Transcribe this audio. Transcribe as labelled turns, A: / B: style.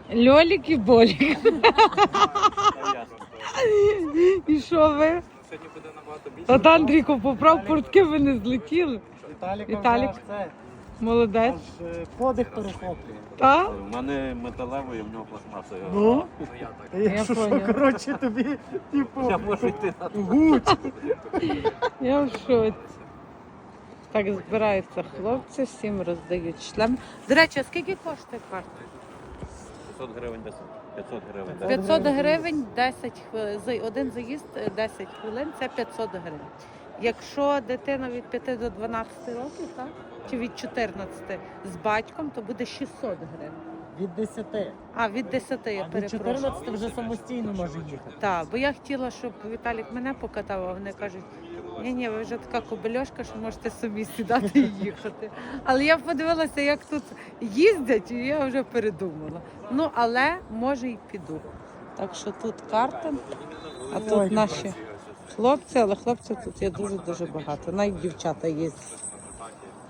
A: Льолік і болік. І що ви?
B: Сьогодні буде набагато більше.
A: От Андрійко, поправ портки, ви не злетіли.
C: Віталік. Це
A: Молодець.
C: аж подих перехоплює.
A: Та?
B: У мене металевий, в нього пластмасовий.
C: Ну?
A: Я
C: Якщо що,
A: поняла.
C: коротше, тобі, типу,
B: Я можу йти на
C: гуть.
A: Я в шоці. Так збираються хлопці, всім роздають шлем. До речі, а скільки коштує карта?
B: 500 гривень, 500 гривень.
A: 500 гривень, 10 хвилин. Один заїзд 10 хвилин це 500 гривень. Якщо дитина від 5 до 12 років, так? Чи від 14 з батьком, то буде 600 гривень.
C: Від 10.
A: А, від 10, я
C: А від
A: перепрошую.
C: 14 вже самостійно може їхати.
A: Так, бо я хотіла, щоб Віталік мене покатав, а вони кажуть, ні, ви вже така кобельошка, що можете собі сідати і їхати. Але я подивилася, як тут їздять, і я вже передумала. Ну, але може й піду. Так що тут карта, а тут
C: Ой,
A: наші хлопці, але хлопців тут є дуже-дуже багато. Навіть дівчата їздять.